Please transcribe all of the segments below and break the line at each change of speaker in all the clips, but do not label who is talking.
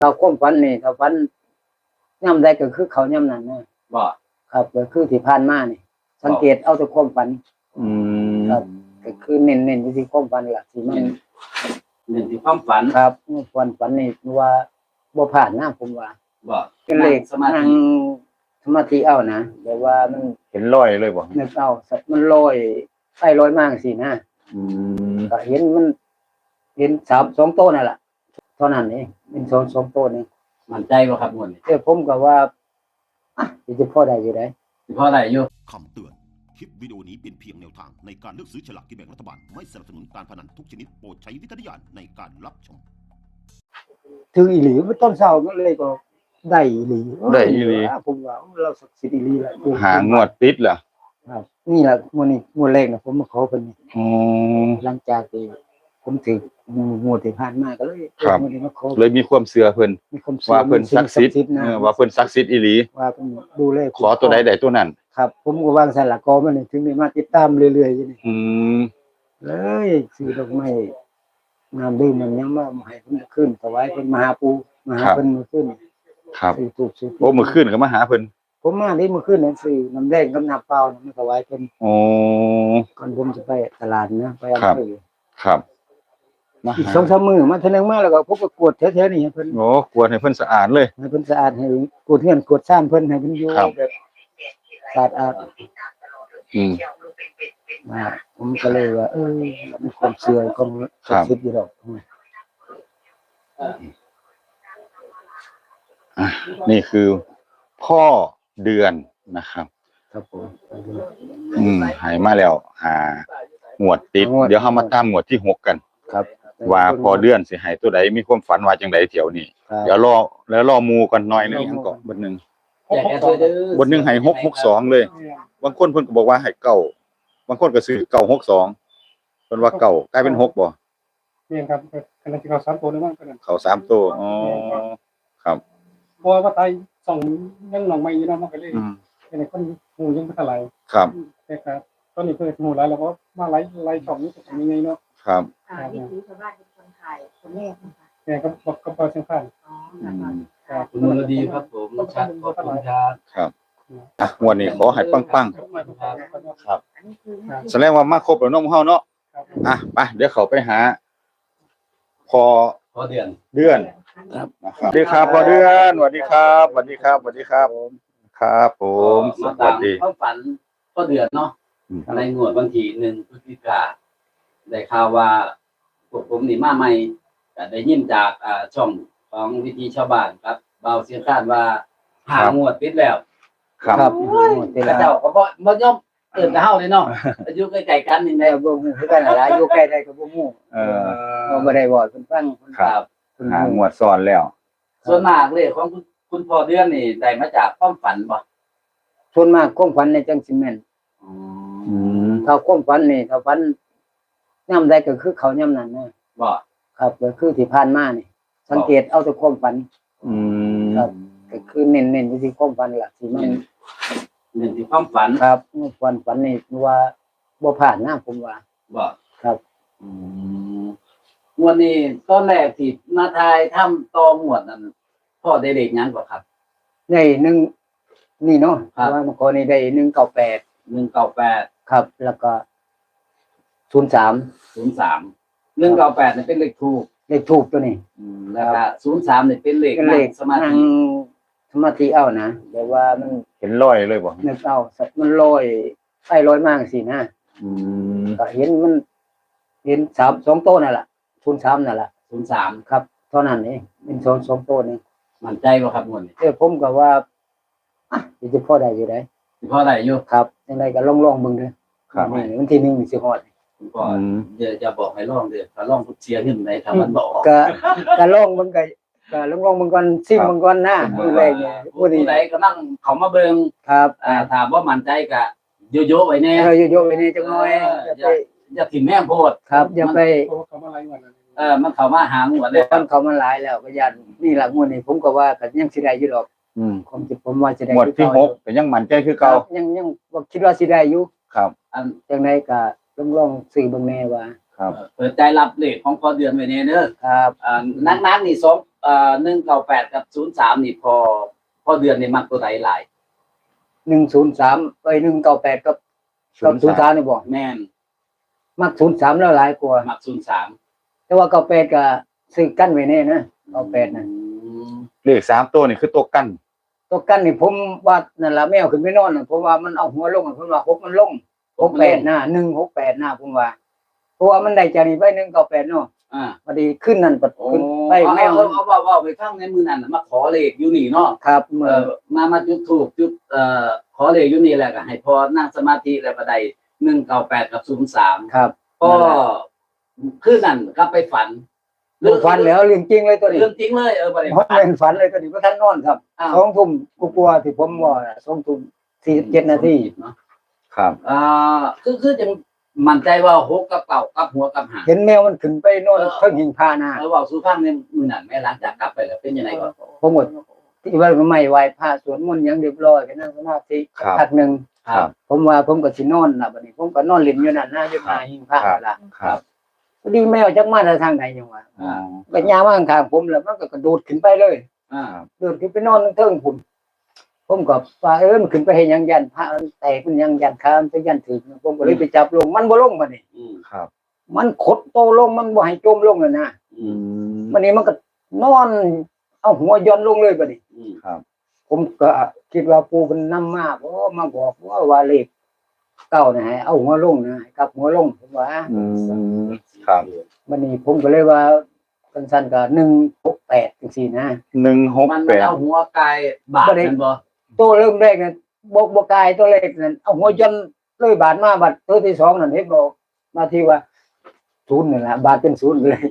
เราความฝันนี่ถ้าฝันย่ำใดก็คือเขาย่ำนั้นนะ
บ่
ครับก็คือที่ผ่านมานี่สังเกตเอาแต่ความฝันครับก็คือเน้นที่ความฝันล่ะที่มัน
เน้นที่ความฝัน
ครับฝันนี่ว่าบ่ผ่านนะผมว่า
บ่
เป็นเลขนั่งสมาธิเอานะแต่ว่ามัน
เห็นรอยเลยบ่
นึกเอามันลอยไปลอยมาจังซี่นะก็เห็นมันเห็น2โต๊ะนั่นล่ะเท่านั้นเองเป็น2โต๊ะนี่
มั่นใจบ่ครับงวดนี้
ผมก็ว่าจะพอได้อยู่ได้
สิพอได้อยู่
คำเตือนคลิปวิดีโอนี้เป็นเพียงแนวทางในการเลือกซื้อฉลากกินแบ่งรัฐบาลไม่สนับสนุนการพนันทุกชนิดโปรดใช้วิจารณญาณในการรับชม
ถึงอีหลีต้นเช้าก็เลยก็ได้อีหลีผมว่าเราศักดิ์สิทธิ์อีหลีแหละ
หางวดติดเหรอ
ครับนี่แหละงวดแรกนะผมมาขอเพิ่นนี่หลังจากที่ผมถึงงวดที่ผ่านมาก็เลย
งวดนี้มาขอเลยมีความเชื่อเพิ่นว่าเพิ่นศักดิ์สิทธิ์ว่าเพิ่นศักดิ์สิทธิ์อีหลี
ว่าเพิ่นดูแล
ขอตัวใดได้ตัวนั้น
ครับผมก็วางสั่นละกอมันถึงได้มาติดตามเรื่อยๆอยู่นี่เลยซื้อดอกไม้น้ำดื่มมันยังมาให้เพิ่นขึ้นถวายเพิ่นมาหาปู่มาหาเพิ่นมื้อขึ้น
ครับโอ้มื้อขึ้นก็มาหาเพิ่น
ผมมาได้มื้อขึ้นนั่นซื้อน้ำแดงกับน้ำเปล่ามาถวายเพิ่นก่อนผมจะไปตลาดนะไปอำเภอ
ครับ
อีก 2-3 มื้อมาเทื่อนึงมาแล้วก็ผมก็กวดแถวๆนี่ให้เพิ่น
โอ้กวดให้เพิ่นสะอาดเลย
ให้เพิ่นสะอาดให้กวดเฮือนกวดซ่านเพิ่นให้เพิ่นอยู่แบบสะอาดผมก็เลยว่ามีความเชื่อความศักดิ์สิทธิ์อยู่ดอก
นี่คือพ่อเดือนนะครับ
ครับผม
หายมาแล้วงวดติดเดี๋ยวเฮามาตามงวดที่6กัน
ครับ
ว่าพอเดือนสิให้ตัวใดมีความฝันว่าจังได๋เที่ยวนี้เดี๋ยวรอหมู่กันหน่อยนึงก่อนบทนึงให้662เลยบางคนเพิ่นก็บอกว่าให้9บางคนก็ซื้อ962เพิ่นว่า9กลายเป็น6บ่
แม่นครับกำลังสิเข้า3ตัวแล้วมั้ง
เข้า3ตัวอ๋อครับ
เพราะว่าไทยส่องยังหนองใหม่อยู่เนาะมันก็เลยเป็นคนฮู้ยังบ่เท่าไหร่
ครับ
แต่ครับตอนนี้เพิ่นฮู้หลายแล้วก็มาไล่ช่องนี้เป็นยังไงเนาะ
ครับ
นี่คือชาวบ้านเป็นคนไทยคนแรกนะคะ
แม่ก็เปิดเสียงคัน
ครับคุณนรดีครับผมชัดขอบคุณ
ครับงวดนี้ขอให้ปังๆครับแสดงว่ามาครบแล้วเนาะเฮาเนาะไปเดี๋ยวเขาไปหาพอเดือน
ครับ
สวัสดีครับพอเดือนสวัสดีครับสวัสดีครับครับผม
สวัสดีความฝันพอเดือนเนาะในงวดวันที่1พฤศจิกายนได้ข่าวว่าพวกผมนี่มาใหม่ก็ได้ยินจากช่องของวิธีชาวบ้านครับเบาเสียงคาดว่าหางวดติดแล้ว
ครับ
เจ้าก็บ่ยอมเอิ้นกับเฮาเลยเนาะอยู่ใกล้ๆกันนี่แหละ
บ่ฮู้คือกันล่ะอยู่ใกล้ได้ก็บ่ฮู้บ่ได้บอกเพิ่นฟัง
ครับหางวดซ้อนแล้ว
ส่วนมากเลยของคุณพ่อเดือนนี่ได้มาจากความฝันบ่
ส่วนมากความฝันในจังสิแม่นถ้าความฝันนี่ถ้าฝันย่ำใดก็คือเขาย่ำนั้นนะ
บ่
ครับก็คือที่ผ่านมานี่สังเกตเอาแต่ความฝันครับก็คือเน้นที่ความฝันล่ะที่มัน
เน้นที่ความฝัน
ครับฝันนี่ว่าบ่ผ่านนะผมว่า
บ่
ครับ
วันนี้ตอนแรกที่มาทายทำต่อหมวดนั้นพ่อได้เลขหยังบ่ครับ
ได้1นี่เนาะว่าเมื่อก่อนนี่ได้198ครับแล้วก็03
198นี่เป็นเลขทูป
ตัวนี้
แล้วก็03นี่เป็นเลขสมา
ธิเอานะแต่ว่ามัน
เห็นรอยเลยบ่
นึกเอามันลอยไปลอยมาจังซี่นะก็เห็นมันเห็น2โต๊ะนั่นล่ะ03นั่นล่ะ
03
ครับเท่านั้นเองเป็น2โต๊ะนี่
มั่นใจบ่ครับงวดนี้
ผมก็ว่าจะพอได้อยู่ได้
พอได้อยู่
ครับจังได๋ก็ลองเบิ่งเด้อครับวันที่1สิฮอด
ก็จะบอกให้ลองเด้อถ้าลองเชียร์ขึ้นได้ถ้ามันบ่ออก
ก็ลองเบิ่งก็ลองเบิ่งก่อนซิมเบิ่งก่อนนะมื้อแรกเนี่ย
ผู้ใดก็นั่งเข้ามาเบิ่ง
ครับ
ถ้าบ่มั่นใจก็โยๆไว้แน่
โยๆไว้แน่จังหน่อย
อย่าถิ่มแม่งโพด
ครับอย่าไป
เข้ามาหลายงวด
มันเข้ามาหางวดแล้ว
มันเข้ามาหลายแล้วก็ยันนี่ล่ะงวดนี้ผมก็ว่าก็ยังสิได้อยู่ดอกความคิดผมว่าสิได้
งวดที่6ก็ยังมั่นใจคือเก่า
ยังบ่คิดว่าสิได้อยู่
ครับ
จังได๋ก็ลองซื้อเบิ่งแน่ว่า
ครับ
เปิดใจรับเลขของพอเดือนไว้แน่เด้อ
ครับ
นักๆนี่ 198กับ03นี่พอเดือนนี่มักตัวใดหลาย
103ไป198กับ03นี่บ่
แม่น
มัก03แล้วหลายกว่า
มัก03
แต่ว่า98ก็ซื้อกันไว้แน่นะ98น่ะ
เลข3ตัวนี่คือตัวกั้น
ตัวกันนี่ผมว่านั่นล่ะแมวขึ้นไปนอนน่ะผมว่ามันเอาหัวลงผมว่า6มันลง68นะ168นะผมว่าเพราะว่ามันได้จากนี้ไป198เนาะพอดีขึ้นนั่นปัดขึ้นไปแมว
เอาไปฟังในมื้อนั้นมาขอเลขอยู่นี่เนาะ
ครับเมื่อ
มาจุดธูปจุดขอเลขอยู่นี่แหละก็ให้พอนั่งสมาธิแล้วก็ได้198กับ03
ครับ
ก็คือนั่นก็ไปฝัน
ฝันแล้วเรื่องจริงเลยตัวนี้
เรื่องจริงเลยบ่ได้
ผมเป็นฝันเลยตัวนี้บ่ทันนอนครับ2 ทุ่มกว่าๆที่ผมว่า2 ทุ่ม47 นาที
เนาะ
ครับ
คือจังมั่นใจว่า6กับ9กับหัวกับหาง
เห็นแมวมันขึ้นไปนอนเพิ่งหิงพานา
เว้าสู่ฟังในมื้อนั้นแม่หลังจากกลับไปแล้วเป็นยังไงก่อน
ผมหมดที่ว่าไม่ไหวพระสวดมนต์อย่างเรียบร้อยก็นั่งสมาธิพักหนึง
ครับ
ผมว่าผมก็สินอนล่ะบัดนี้ผมก็นอนเล่นอยู่นั่นนะอยู่หน้าหิงพระล่ะ
ครับ
พอดีแมวจักมาทางไหนจังว่าก็ย่างมาข้างๆผมแล้วมันก็กระโดดขึ้นไปเลย โดดขึ้นไปนอนเทิงผมก็ว่ามันขึ้นไปเฮ็ดหยังยันพระมันแตกมันยังยันคามไปยันถึงผมก็เลยไปจับลงมันบ่ลงบัดนี้
ครับ
มันขดโตลงมันบ่ให้จมลงน่ะนะ
อืม
บัดนี้มันก็นอนเอาหัวย้อนลงเลยบัดนี้
ครับ
ผมก็คิดว่าปู่เพิ่นนำมามาบอกว่าเลขเก้านะให้เอาหัวลงนะให้กลับหัวลงผมว่า
อืมครับ
บัดนี้ผมก็เลยว่าสั้นๆก็168จังซี่นะ
มันเอาหัวกายบาดกันบ่
ตัวเริ่มแรกนั้นบ่กายตัวเลขนั้นเอาหัวย้อนเลยบาดมาบัดตัวที่2นั่นเห็นบ่มาที่ว่า0นั่นล่ะบาดเป็น0เลย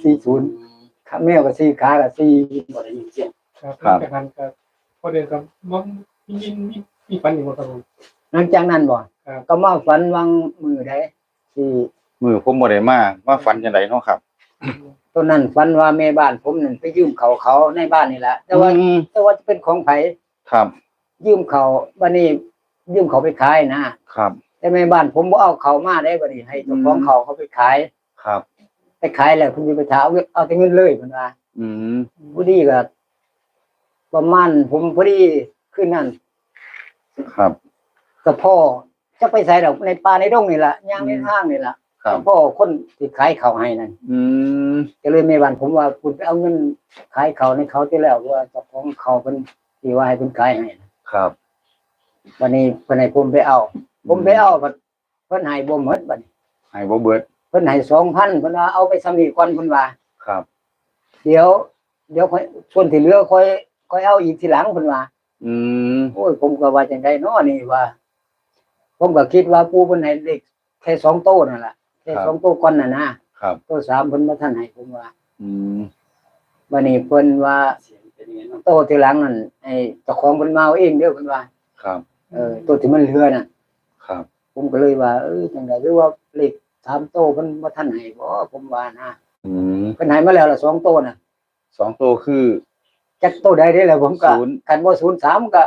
40ขาแมวก็4ขาก็4
บ่ได้ยินเสียง
ครับจากนั้นก็พอเดินก็มีฝันอีกบ่ครับผม
หลังจากนั้นบ่
ครับ
ก็มาฝันวังมือใดที่
มือผมบ่ได้มาฝันจังไดเนาะครับ
ต้นนั้นฝันว่าแม่บ้านผมนั่นไปยืมเขาในบ้านนี่แหละแต่ว่าจะเป็นของไผ
ครับ
ยืมเขาบัดนี้ยืมเขาไปขายนะครับ แต่แม่บ้านผมบ่เอาเขามาได้บัดนี้ให้เจ้าของเขาไปขาย
ครับ
ไปขายแล้วเพิ่นสิไปถามเอาแต่เงินเลยเพิ่นว่า
อืม
พอดีก็ประมาณผมพอดีคืนนั้น
ครับ
ก็พ่อจะไปใส่ดอกในป่าในดงนี่ล่ะย่างในทางนี่ล่ะ
ครับ
พ่อคนที่ขายเขาให้นั่น
อืม
ก็เลยแม่บ้านผมว่าคุณไปเอาเงินขายเขาในเขาที่แล้วว่าเจ้าของเขาเพิ่นที่ว่าให้เพิ่นขายให้นะครับ วันนี้เพิ่นให้ผมไปเอา ผมไปเอาเพิ่นให้บ่หมดบัดนี้
ให้บ่เบิด
เพิ่นให้ 2,000 เพิ่นว่าเอาไปสำนีก่อนเพิ่นว่า
ครับ
เดี๋ยวค่อยส่วนที่เหลือค่อยเอาอีกทีหลังเพิ่นว่า
อืม
โอ้ยผมก็ว่าจังได๋น้อนี่ว่า ผมก็คิดว่าปู่เพิ่นให้เลขแค่2โตนั่นล่ะแค่2โตก่อนน่ะนะครับ โต3เพิ่นบ่ทันให้ผมว่า
อืม
วันนี้เพิ่นว่า
เสียงเป็นยังไงเนาะ
โตทีหลังนั่นไอ้เจ้าของเพิ่นมาเอาเองเด้อเพิ่นว่า
ครับ
ตัวที่มันเหลือน่ะ
ครับ
ผมก็เลยว่าจังได๋หรือว่าเลข3โตเพิ่นบ่ทันให้บ่ผมว่านะ
อืม
เพิ่นให้มาแล้วล่ะ2โตน่ะ
2ตัวคือ
จักโตใดได้แล้วผมก็
ศูนย์
คันบ่03ก็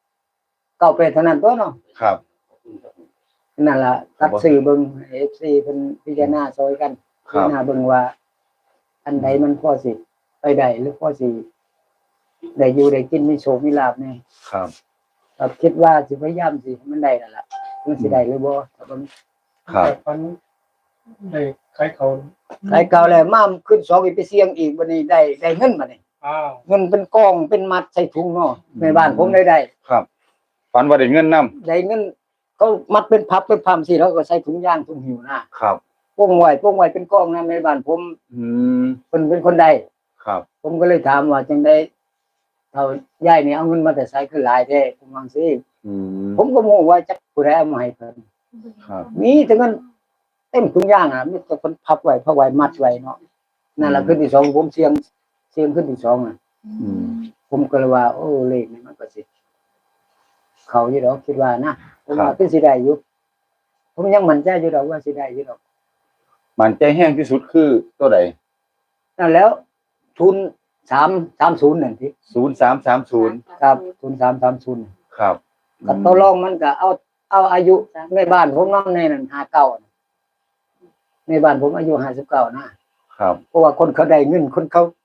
98เท่านั้นตัวเนาะ
ครับ
นั่นล่ะตัดซื้อเบิ่ง FC เพิ่นพิจารณาซอยกัน
ค
พิ
รับ
จารณาเบิ่งว่า อันใดมันพอสิไปได้หรือพอสิได้อยู่ได้กินมีโชคมีลาภแน่
ครับ
ครับคิดว่าสิพยายามสิให้มันได้นั่นล่ะมันสิได้หรือบ่ถ้าบ่
ครับ
ฝันได้ขายเขา
ขายเก่าแล้วมาขึ้น2อีกไปเสี่ยงอีกบัดนี้ได้เงินบัดนี้
อ้าว
เงินเป็นกองเป็นมัดใส่ถุงเนาะในบ้านผมได้
ครับฝันว่าได้เงินนำ
ได้เงินเขามัดเป็นพับเป็นพำสิแล้วก็ใส่ถุงย่างถุงหิวนะครับ โป้งไว้เป็นกองนะในบ้านผม
อืม
เป็นคนใด
ครับ
ผมก็เลยถามว่าจังได๋เฒ่ายายนี่เอาเงินมาแต่ไสคือหลายแท้ผมว่าสิ
อืม
ผมก็บ่รู้ว่าจักผู้ใดเอามาให้เพิ่น
ครับ
มีแต่เงินเต็มถุงย่างมีแต่คนพับไว้มัดไว้เนาะนั่นล่ะขึ้นที่สองผมเสี่ยงขึ้นที่สองน่ะ
อืม
ผมก็เลยว่าโอ้เลขนี่มันก็สิเขาอยู่ดอกคิดว่านะผมว่าคือสิได้อยู่ผมยังมั่นใจอยู่ดอกว่าสิได้อยู่ดอก
มันใจแห้งที่สุดคือตัวใด
นั่นแล้วทุน330นั่นที่
0330
ครับทุน330
ครับ
ก็ตกลงมันก็เอาอายุในบ้านผมนำในนั้น59ในบ้านผมอายุ59นะครับ เพราะว่าคนเขาได้เงินคนเขาไป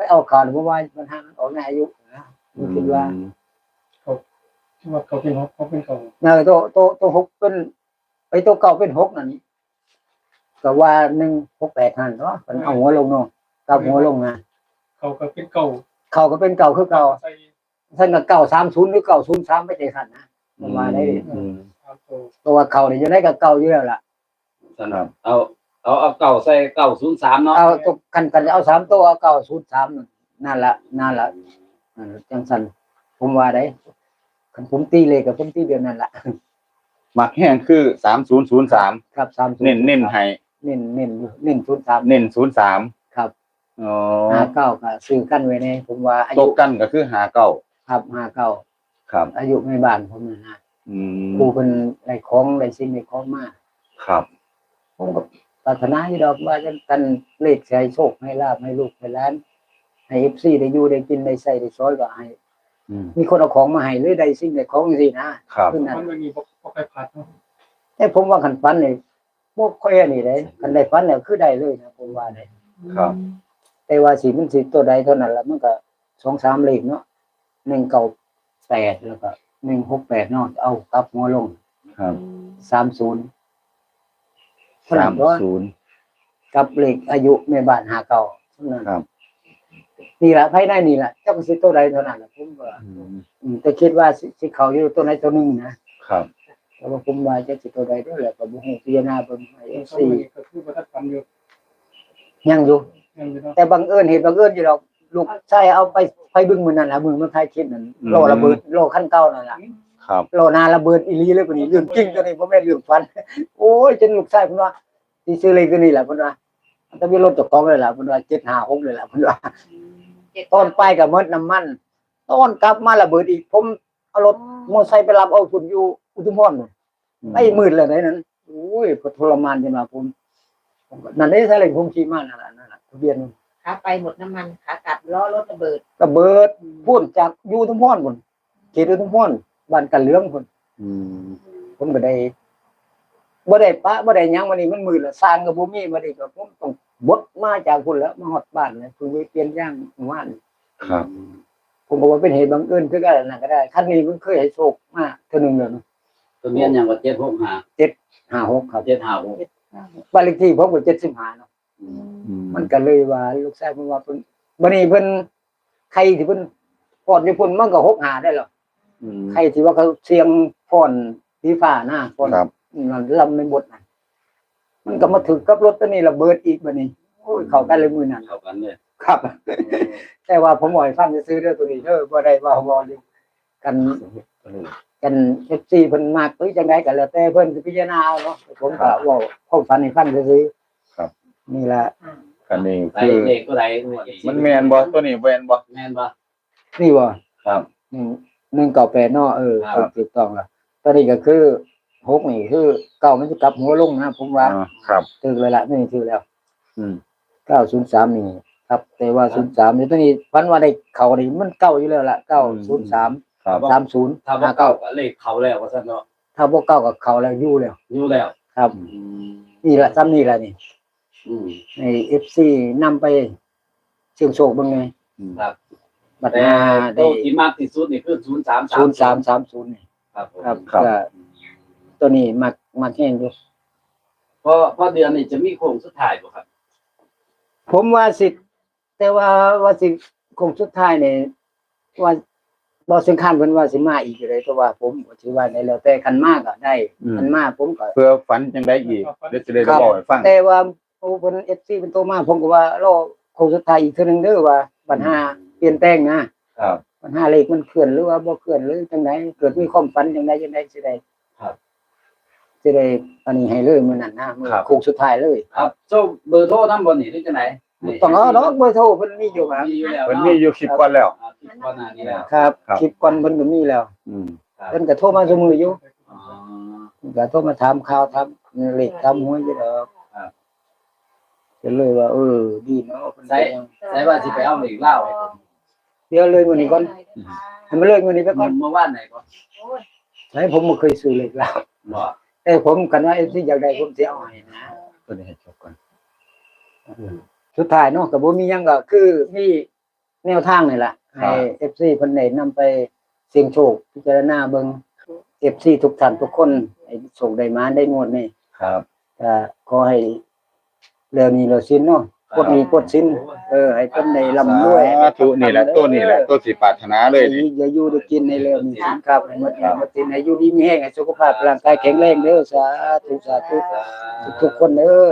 เอาข่าวเพราะว่ามันหามันออกในอายุนะผมคิดว่า
ที่ว่าเขาเป็นเขาเป็นเขา
ตัวหกเป็นไอ้ตัวเก่าเป็นหกนั่นก็ว่า168หันเนาะมันเอาหัวลงเนาะกับหัวลงนะ
เขาก็เป็นเก่า
เขาก็เป็นเก่าคือเก่า
ใส่
ท่านก็930หรือ903ไม่ใช่สั่นนะประมาณได้
ตามตัว
ตัวเขานี่จะได้กับเก่าอยู่แล้วล่ะ
ครับเอาเก่าใส่903เนาะ
เอาตัวกันเอา3ตัวเอา903นั่นละจังซั่นผมว่าได้คันผมตีเลขกับผมตีเดือนนั่นล่ะ
มักแห้งคือ3003
ครับ30
เน้นให้
เน้น03
เน้น03
ครับ
อ๋อ
59ก็ซื้อกันไว้ในผมว่าอา
ต
ยุ
กกันก็คือ59
ครับ59
ครับ
อายุในบ้านผมนั่นนะ
อืม
ครูเป็นได้ของได้สิ่งได้ของมา
ครับ
ผมก็ปรารถนาอยู่ดอกว่าจะกันเลขให้โชคให้ลาภให้ลูกให้หลานให้ FC ได้อยู่ได้กินได้ใช้ได้ซอยก็ให้
อืม
มีคนเอาของมาให้หรือได้สิ่งได้ของจังซี่นะครับ คือนั้น
มันไม่มีบ่ใครพัดเนาะ
แต่ผมว่าคันฝันนี่บ่ค่อยอันนี้ได้คันได้ฝันแล้วคือได้เลยนะผมว่าได้
ครับ
แต่ว่าสิมันสิตัวใดเท่านั้นล่ะมันก็2-3เลขเนาะ198แล้วก็168เนาะเอากลับหัวลง
ครับ
30เท่านั้นตัว
30
กับเลขอายุแม่บ้าน59เท่านั้น
ครับ
นี่ล่ะภายในนี่ล่ะจักสิตัวใดเท่านั้นล่ะผมว่า แต่คิดว่าสิเขาอยู่ตัวไหนตัวหนึงนะครับ แต่ว่าผมว่าจะสิตัวใดด้วยแหละก็บ่ฮู้พิจารณาเบิ่งให้
เขา
FC
ก็คือบ่ทันฟันอยู่
ยังอยู่
ยังอยู่เนาะ
แต่บังเอิญเหตุบังเอิญอยู่ดอกลูกชายเอาไปบึงมื้อนั้นล่ะมึงมันถ่ายคลิปนั่นโลระเบิดโลคันเก่านั่นล่ะ
ครับ
โลนาระเบิดอีหลีเลยพุ่นนี่เรื่องจริงตัวนี้บ่แม่นเรื่องฝัน โอ้ยจนลูกชายเพิ่นว่าสิซื้อเลขตัวนี้ล่ะเพิ่นว่าแต่มีรถเจ้าของเลยล่ะเพิ่นว่า756เลยล่ะเพิ่นว่าตอนไปก็หมดน้ำมันตอนกลับมาระเบิดอีกผมเอารถมอไซค์ไปรับเอาพุ่นอยู่อุทุมพรพุ่นไปมืดเลยไหนนั้นโอ้ยทรมานจนว่าผมนั่นได้ซะเลยผมขี่มานั่นล่ะทะเบียน
ขาไปหมดน้ำมันขากลับล้อรถระเบิด
ระเบิดพุ่นจากอยู่อุทุมพรพุ่นเขตอุทุมพรบ้านกันเหลืองพุ่น
อืม
ผมก็ได้บ่ได้ปะบ่ได้หยังวันนี้มันมืดแล้วสร้างก็บ่มีมานี่ก็ผมต้องบดมาจากพุ่นแล้วมาฮอดบ้านเลยเพิ่งไปเปลี่ยนยางเมื่อวาน
ครับ
ผมก็ว่าเป็นเหตุบังเอิญคือกันนั่นก็ได้คันนี้มันเคยให้โชคมาเทื่อนึงแล้วเนาะ
ทะเบียนหยังว่า765
56ครับ
756
บ้านเลขที่ผมก็75เนาะมันก็เลยว่าลูกชายเพิ่นว่าเพิ่นบัดนี้เพิ่นใครที่เพิ่นพอดอยู่พุ่นมันก็65ได้หรอก
อืม
ใครที่ว่าเขาเสียงฟ้อนสีฟ้านะฟ้อน
ครับ
นั่นลำในบทนั่นมันก็มาถึงกับรถตัวนี้ระเบิดอีกบัดนี้โอ้ยเข้ากันเลยมื้อนั้น
เข้ากันเลย
ครับ แต่ว่าผมบ่ให้ฟังซื้อเด้อตัวนี้เด้อบ่ได้ว่าบ่อยู่กัน FC เพิ่นมักหรือจังไดก็แล้วแต่เพิ่นสิพิจารณาเอาเนาะผมก็เว้าความฝันให้ฟังซื่อๆ
ครับ
นี่ล่ะ
กันนี่
ไป
คือ
เลขตัวใด
มันแม่นบ่ตัวนี้แม่นบ่
แม่นบ่
นี่บ่
ครับ
198เนาะ
ครับ
ถูกต้องแล้วตอนนี้ก็คือ6นี่คือเก้ามันจะกลับหัวลงนะผมว่า
ครับ
ถึกเลยล่ะนี่ถือแล้ว
อืม
903นี่ครับแต่ว่า03นี่ตัวนี้พันว่าได้เข้านี่มันเก่าอยู่แล้วล่ะ903
ครับ
30
ถ้าบ่เก่าก็เลขเขาแล้วว่าซั่นเนาะ
ถ้าบ่เก่าก็เข้าแล้วอยู่แล้ว
อยู่แล้ว
ครับ นี่ล่ะซ้ำนี่ล่ะนี่
อืม
ใน FC นำไปเสี่ยงโชคเบิ่งไง
ครับ
บัด
แต่
หน้า
โต
ได้
ที่มากที่สุดนี่คือ033
0330นี่
ครับผม
ครับ
ครับ
ก็ตัวนี้มักแห้งอยู่
พอเดือนนี้จะมีโค้งสุดท้ายบ่ครับ
ผมว่าสิแต่ว่าสิคงสุดท้ายนี่ว่าบ่สำคัญเพิ่นว่าสิมาอีกอยู่เลยแต่ว่าผมก็ถือว่าได้แล้วแต่คันมาก็ได้คันมาผมก็
เพื่อฝันจังไดอีกเดี๋ยวจะได้
ครับ
บอกให้ฟัง
แต่ว่าโอ้เพิ่น FC เพิ่นโทรมาผมก็ว่ารอคงสุดท้ายอีกเทื่อนึงเด้อว่าปัญหาเปลี่ยนแปลงนะครับ ปัญหาเลขมันเคลื่อนหรือว่าบ่เคลื่อนหรือจังไดเกิดมีความฝันจังไดสิได้
ครับ
สิได้อันนี้ให้เลยมื้อนั้นนะมื้อโค้งสุดท้ายเลย
ครับโซ่เบอร์โทรนำบ่นี่หรือจังได๋
ต้องเอาเนาะเบอร์โทรเพิ่นมีอยู่ครับ
มีอยู่แล้ว
มันมีอยู่คลิปก่อนแล้ว
คลิปก่อนหน้านี้แล้ว
ครับ
ครับ
คลิปก่อนเพิ่นก็มีแล้ว
อืม
เพิ่นก็โทรมาซุมื้ออยู่
อ๋อ
ก็โทรมาถามข่าวถามเลขถามหวยอยู่ดอก
ครับ
ก็เลยว่าดีเนาะเพิ่น
ใส่ว่าสิไปเอาเลขเล่าให้ผม
เดี๋ยวเลยมื้อนี้ก่อนให้มันเลยมื้อนี้ไปก่อน
เมื่อวานไหนก่อน
ให้ผมบ่เคยซื้อเลขแล้ว
บ่
แต่ผมกันว่าสิอยากได้ผมสิเอาให้นะ
ตัวนี้ให้จบก่อน
สุดท้ายเนาะก็บ่มีหยังก็คือมีแนวทางนี่แหละให้ FC เพิ่นได้นำไปเสี่ยงโชคพิจารณาเบิ่ง FC ทุกท่านทุกคนให้โชคได้มาได้งวดนี้
ครับ
ก็ขอให้เรื่องนี้เราสิ้นเนาะปลดหนี้ปลดสินให้เพิ่นได้ร่ำรวย
สาธุนี่แหละตัวนี้แหละตัวสิปรารถนาเลยนี่
อย่าอยู่ได้กินในเรื่องนี้ครับให้หมดหมดสินให้อยู่ดีมีแรงให้สุขภาพร่างกายแข็งแรงเด้อสาธุทุกคนเด้อ